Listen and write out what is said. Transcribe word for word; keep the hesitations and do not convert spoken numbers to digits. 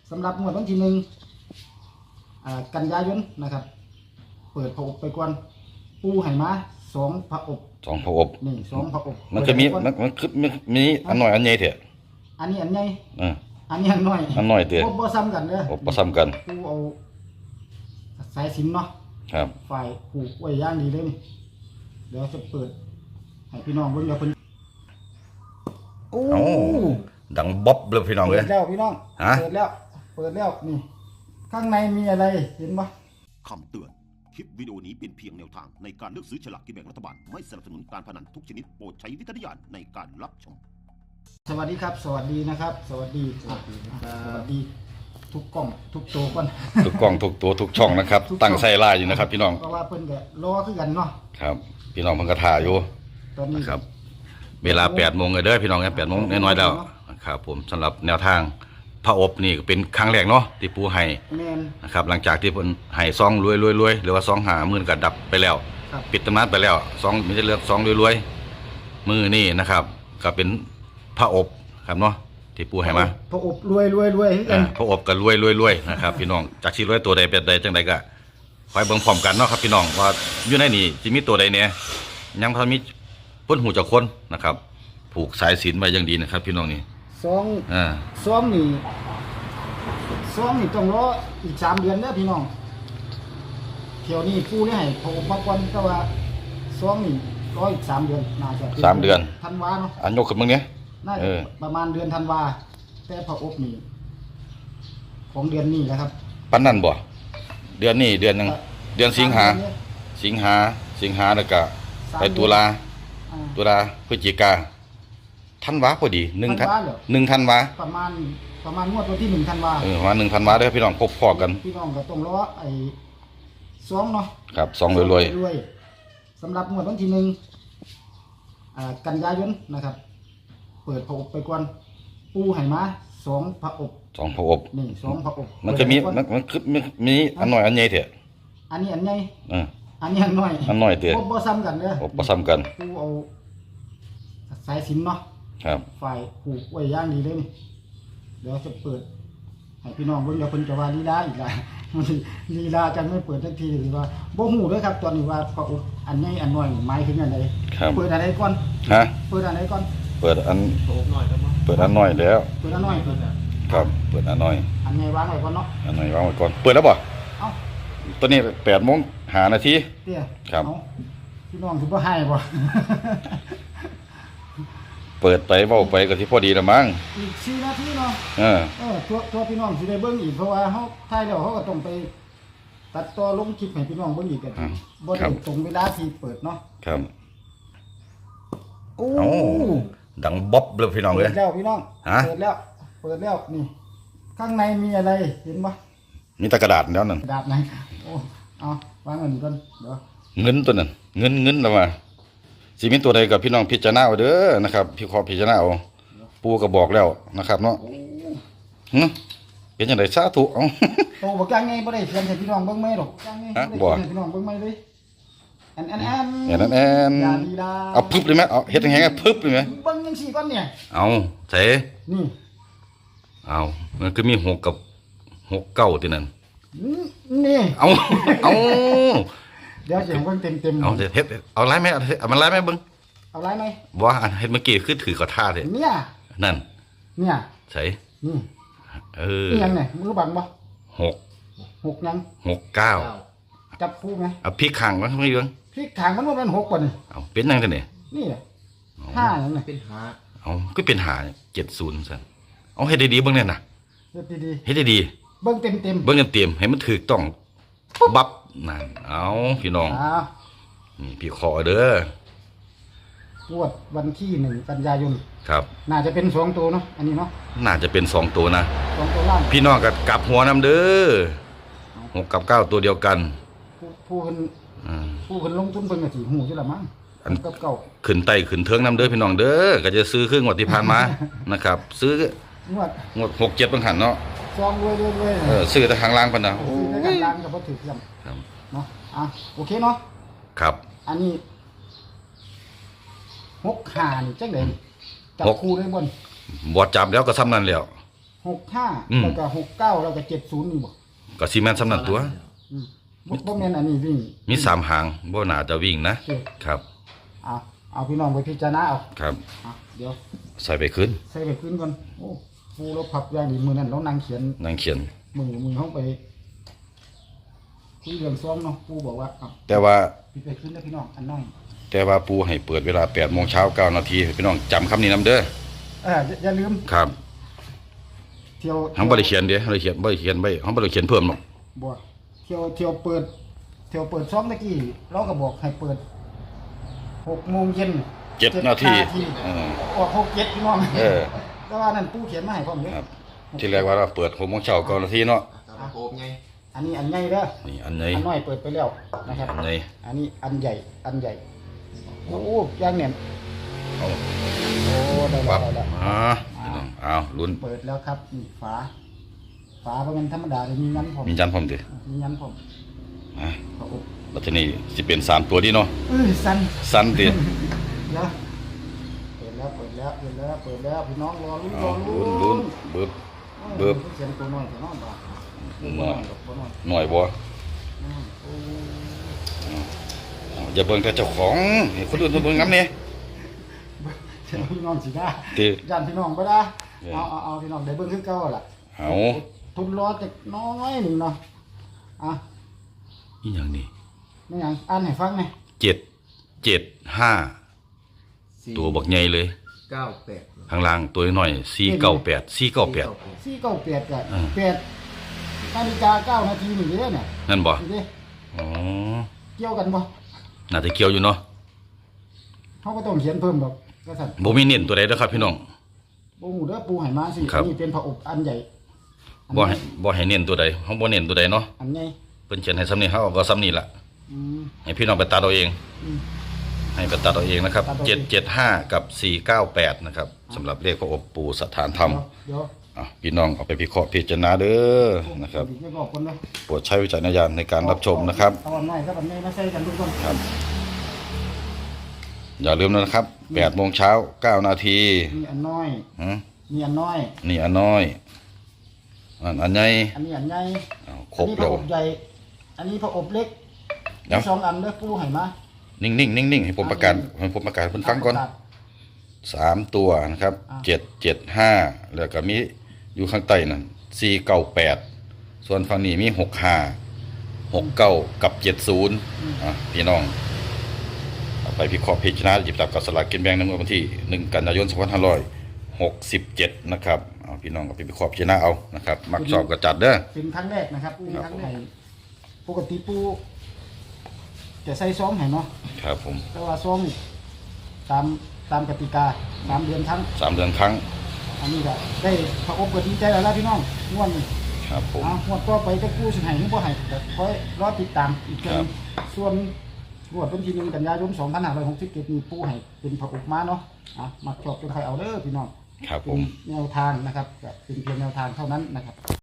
สำหรับงวดวันที่หนึ่งกันยายนนะครับเปิดพระอบไปก่อนปูไห่มาสองพระอบสองพระอบนี่สองพระอบมันจะมีมันมันคือมีอันหน่อยอันใหญ่เถอะอันนี้อันใหญ่อ่าอันนี้อันน้อยอันน้อยเถอะบ่ซ้ำกันเด้อบ่ซ้ำกันปูเอาสายสิญจน์เนาะครับฝ่ายผูกไว้ย่างดีเลยนี่เดี๋ยวจะเปิดให้พี่น้องเบิ่งเดี๋ยวเพิ่นโอ้ดังบ๊อบเลยพี่น้องเลยเปิดแล้วพี่น้องเปิดแล้วเปิดแล้วนี่ข้างในมีอะไรเห็นปะคำเตือนคลิปวิดีโอนี้เป็นเพียงแนวทางในการเลือกซื้อฉลากกินแบ่งรัฐบาลไม่สนับสนุนการพนันทุกชนิดโปรดใช้วิจารณญาณในการรับชมสวัสดีครับสวัสดีนะครับสวัสดีสวัสดีสวัสดีทุกกล้องทุกตัวก่อนทุกกล้องทุกตัวทุกช่องนะครับตั้งใส่ลายอยู่นะครับพี่น้องเพราะว่าเพิ่นก็รอคือกันเนาะครับพี่น้องเพิ่นก็ถ่ายอยู่ตอนนี้ครับเวลาแปดโมงเลยเด้อพี่น้องแปดโมงน้อยๆแล้วครับผมสำหรับแนวทางพระอบนี่เป็นครั้งแรกเนาะที่ปูให้นะครับหลังจากที่เพิ่นให้ซองรวยรวยรวยหรือว่าซองหาหมื่นก็ดับไปแล้วปิดตำนานไปแล้วซองมีแต่เลือกซองรวยรวยมือนี่นะครับก็เป็นพระอบครับเนาะที่ปูให้มาพระอบรวยรวยรวยอ่าพระอบก็รวยรวยรวยนะครับพี่น้องจากที่รวยตัวใดเป็นใดจังใดก็คอยเบิ่งพร้อมกันเนาะครับพี่น้องว่าอยู่ในนี่สิมีตัวใดเนี่ยยังพอมีเพิ่นหูจักคนนะครับผูกสายศีลไว้อย่างดีนะครับพี่น้องนี่ซองอ่าซองนี่ซองนี่ต้องรออีกสามเดือนเด้อพี่น้องเที่ยวนี้ปูนี่ให้พระอบมาก่อนแต่ว่าซองนี่รออีกสามเดือนน่าจะสามเดือนธันวาเนาะอันยกขึ้นมึงเนี่ยน่าจะประมาณเดือนธันวาแต่พระอบนี่ของเดือนนี้แหละครับปันนั่นบ่เดือนนี้เดือนนึงเดือนสิงหาสิงหาสิงหาแล้วก็ไปตุลาตุลาพฤศจิกาธันวาพอดีหนึ่งธันหนึ่งธันวาประมาณประมาณงวดวันที่หนึ่งธันวาเออประมาณหนึ่งธันวาเด้อพี่น้องพบพอกันพี่น้องก็ต้องรอไอ้ซองเนาะครับซองรวยๆสำหรับงวดวันที่หนึ่งกันยายนนะครับเปิดพระอบไปก่อนปูไห่มาสองพระอบสองพระอบนี่สองพระอบมันจะมีมันมันคือมีอันน้อยอันใหญ่เถอะอันนี้อันใหญ่อ่าอันนี้อันน้อยอันน้อยเถอะบ่ซ้ำกันเด้อบ่ซ้ำกันปูเอาสายสิญจน์เนาะครับฝ่ายผูกไว้ย่างดีเลยนี่เดี๋ยวจะเปิดให้พี่น้องเบิ่งเดี๋ยวเพิ่นจะว่าลีลาอีกแล้วลีลาจังไม่เปิดทันทีหรือว่าบ่ฮู้เด้อครับตอนนี้ว่าพระอบอันใหญ่อันน้อยหมายถึงอันใดเปิดอันใดก่อนฮะเปิดอันใดก่อนเปิดอันเปิดอันน้อยแล้วเปิดอันน้อยครับเปิดอันน้อยอันใหญ่วางไว้ก่อนเนาะอันน้อยวางไว้ก่อนเปิดแล้วบ่เอ้าตอนนี้แปดโมงห้านาทีเตี้ยครับพี่น้องสิบ่ให้บ่เปิดไปเว้าไปก็สิพอดีละมั้งอีกสี่นาทีเนาะเออเออตัวตัวพี่น้องสิได้เบิ่งอีกเพราะว่าเฮาถ่ายแล้วเฮาก็ต้องไปตัดต่อลงคลิปให้พี่น้องเบิ่งอีกกันบ่ได้ตรงเวลาที่เปิดเนาะครับโอ้ดังบ๊อบเลยพี่น้องเลยเปิดแล้วพี่น้องเปิดแล้วเปิดแล้วนี่ข้างในมีอะไรเห็นปะมีแต่กระดาษแล้วนั่นกระดาษไหนโอ้เอาวางเงินก่อนเดี๋ยวเงินตัวนั้นเงินเงินแล้วมาสิมีตัวใดกับพี่น้องพิจารณาเอาเด้อนะครับพี่ขอพิจารณาเอาปูก็บอกแล้วนะครับเนาะหึเป็นจังได๋สาธุเอ้าโตบ่จังไงบ่ได้เขียนให้พี่น้องเบิ่งมั้ยหรอกจังไงบ่ได้เขียนให้พี่น้องเบิ่งมั้ยเลยแอนแอนแอนแอนแอนเอาพึบเลยมั้ยเอาเฮ็ดจังไงพึบเลยมั้ยเบิ่งจังซี่ก่อนเนี่ยเอาใส่นี่เอามันคือมีหกกับหกเก้าที่นั่นนี่เอาเอาเดี๋ยวเสียงเบิ่งเต็มๆเอาเฮ็ดเอาไล่มั้ยเอามันไล่มั้ยเบิ่งเอาไล่มั้ยบ่อันเฮ็ดเมื่อกี้คือถือเขาท่าเด้เนี่ยนั่นเนี่ยใส่นี่เออยังไงมือบังบ่หกหกยังหกเก้าจับคู่มั้ยเอาพริกข้างมันไม่เบิ่งพริกข้างมันบ่แม่นหกบ่นี่เอาเป็นจังซั่นนี่นี่ห้าจังได๋เป็นห้าเอาก็เป็นห้าเจ็ดศูนย์ซั่นเอาเฮ็ดดีๆเบิ่งแน่น่ะเฮ็ดดีๆเฮ็ดดีๆเบิ่งเต็มๆเบิ่งเต็มๆให้มันถูกต้องบับนั่นเอาพี่น้องนี่พี่ขอเด้องวดวันที่หนึ่งกันยายนครับน่าจะเป็นสองตัวเนาะอันนี้เนาะน่าจะเป็นสองตัวนะสองตัวล่างพี่น้องก็กลับหัวนำเด้อหกกับเก้าตัวเดียวกันผู้เพิ่นผู้เพิ่นลงทุนเพิ่นก็สิฮู้อยู่ละมั้งอันกับเก้าขึ้นไต้ขึ้นเทิงนำเด้อพี่น้องเด้อก็จะซื้อเครื่องงวดที่ผ่านมานะครับซื้องวดงวดหก เจ็ดบางหันเนาะซองรวยๆเออซื้อแต่ข้างล่างพุ่นน่ะโอ้ยข้างล่างก็บ่ถูกจังครับเนาะอ่ะโอเคเนาะครับอันนี้หกห้านี่จังได๋จับคู่ได้บ่บ่จับแล้วก็ซ้ำนั้นแล้วหกห้าอืมแล้วก็หกเก้าแล้วก็เจ็ดศูนย์นี่บ่ก็ซีแมนสำนันตัวอืมบ่บ่แม่นอันนี้วิ่งมีสามหางบ่น่าจะวิ่งนะโอเคครับเอาเอาพี่น้องไปพิจารณาเอาครับอ่ะเดี๋ยวใส่ไปขึ้นใส่ไปขึ้นก่อนโอ้ปูเราพับอย่างนี้มือนั้นเรานั่งเขียนนั่งเขียนมือมือเขาไปคุยเรื่องซ้อมเนาะปูบอกว่าอ่ะแต่ว่าปิดไปขึ้นแล้วพี่น้องอันน้อยแต่ว่าปูให้เปิดเวลาแปดโมงเช้าเก้านาทีพี่น้องจำคำนี้นำเด้อเอออย่าอย่าลืมครับเที่ยวทั้งบ่ได้เขียนเด้บ่ได้เขียนบ่ได้เขียนไว้ทั้งบ่ได้เขียนเพิ่มหรอกบ่เที่ยวเที่ยวเปิด เที่ยวเปิดซ้อมตะกี้เราก็บอกให้เปิดหกโมงเย็นเจ็ดนาทีทีเออออกหกเจ็ดพี่น้องเออแต่ว่านั่นปูเขียนมาให้พร้อมเลยครับ ที่แรกว่าเราเปิดหกโมงเช้าเก้านาทีเนาะโอบไงอันนี้อันใหญ่เด้อนี่อันนี้อันน้อยเปิดไปแล้วนะครับอันนี้อันนี้อันใหญ่อันใหญ่โอ้ย่างเนี่ยเอาโอ้ได้แล้วัวบได้แล้วอ่าพี่น้องเอาลุ้นเปิดแล้วครับนี่ฝาฝาเพราะมันธรรมดาเลยมียันผมมีจันพร้อมดิมียันผมอ่ะพระอบแล้วทีนี้สิเป็นสามตัวดีเนาะเอ้ยสันสั้นดิแล้วเปิดแล้วเปิดแล้วเปิดแล้วเปิดแล้วพี่น้องรอลุ้นรเอาอลุ้ลุ้นนลุ้นบึบ เบิบเสียงตัวน้อยตัวน้อยบ่าน้อยตัวน้อยหน่อยบ่อืมโอ้เอาอย่าเบิ่งแต่เจ้าของให้คนอื่นมาเบิ่งน้ำเนี่ยเสียงพี่น้องสิได้ติยันพี่น้องบ่ได้เออเอาเอาเอาพี่น้องได้เบิ่งคือเก่าล่ะเอาทุนรอจักน้อยหนึงเนาะอ่ะอีหยังนี่ไม่หยังอ่านให้ฟังหน่อยเจ็ดเจ็ดห้าตัวบักใหญ่เลยเก้าแปดข้างล่างตัวน้อยสี่เก้าแปดสี่เก้าแปดสี่เก้าแปดก็อ่าแปดนาฬิกาเก้านาทีนี่เด้อเนี่ยนั่นบ่นี่เด้อ๋อเกี่ยวกันบ่น่าจะเกี่ยวอยู่เนาะเขาก็ต้องเขียนเพิ่มดอกก็สั่นบ่มีเน้นตัวใดเด้อครับพี่น้องบ่ฮู้เด้อปูให้มาสิครับอันนี้เป็นพระอบอันใหญ่อันบ่ให้บ่ให้เน้นตัวใดเฮาบ่เน้นตัวใดเนาะอันใหญ่เพิ่นเขียนให้ซ้ำนี้เฮาก็ซ้ำนี้ล่ะอืมให้พี่น้องไปตัดเอาเองอืมให้ไปตัดเอาเองนะครับตัดเอาเองเจ็ดเจ็ดห้ากับสี่เก้าแปดนะครับสำหรับเลขพระอบปู่สถานธรรมเดี๋ยวอ่ะพี่น้องเอาไปพิเคราะห์พิจารณาเด้อเดี๋ยวนะครับอีกไม่บอกคนเลยโปรดใช้วิจารณญาณในการรับชมนะครับเอาอันใหม่ครับอันใหญ่มาใส่กันทุกคนครับ อย่าลืมนะครับแปดโมงเช้าเก้านาทีมีอันน้อยหือมีอันน้อยนี่อันน้อย อันอันใหญ่อันนี้อันใหญ่อ้าวครบอันนี้พแล้ระวอบใหญ่ อันนี้พระอบเล็กเดี๋ยวมีสองอันเด้อปูให้มานิ่งนิ่งนิ่งนิ่งให้ผมประกาศให้ผมประกาศให้เพิ่นฟังก่อนสามตัวนะครับอ่าเจ็ดเจ็ดห้าแล้วก็มีอยู่ข้างใต้นั่นสี่เก้าแปดส่วนฝั่งนี้มีหกห้าหกเก้ากับเจ็ดศูนย์อ่ะพี่น้องเอาไปพิเคราะห์พิจารณาหยิบจับกับสลากกินแบ่งในงวดวันที่หนึ่งกันยายนสองพันห้าร้อยหกสิบเจ็ดนะครับเอาพี่น้องก็ไปพิเคราะห์พิจารณาเอานะครับมักชอบก็จัดเด้อเป็นครั้งแรกนะครับเป็นครั้งแรกปกติปูจะใส่ซองให้เนาะครับผมแต่ว่าซองนี่ตามตามกติกาสามเดือนครั้งสามเดือนครั้งอันนี้ก็ได้พระอบก็ดีใจแล้วล่ะพี่น้องงวดนี้ครับผมอ่างวดต่อไปจะกู้สิให้หรือบ่ให้ก็คอยรอติดตามอีกเทื่อครันึบงส่วนงวดวันที่หนึ่งกันยายนสองพันห้าร้อยหกสิบเจ็ดนี้ปูให้เป็นพระอบมาเนาะอ่ะมักชอบจนใครเอาเด้อพี่น้องครับผเป็นมแนวทางนะครับก็เป็นเพียงแนวทางเท่านั้นนะครับ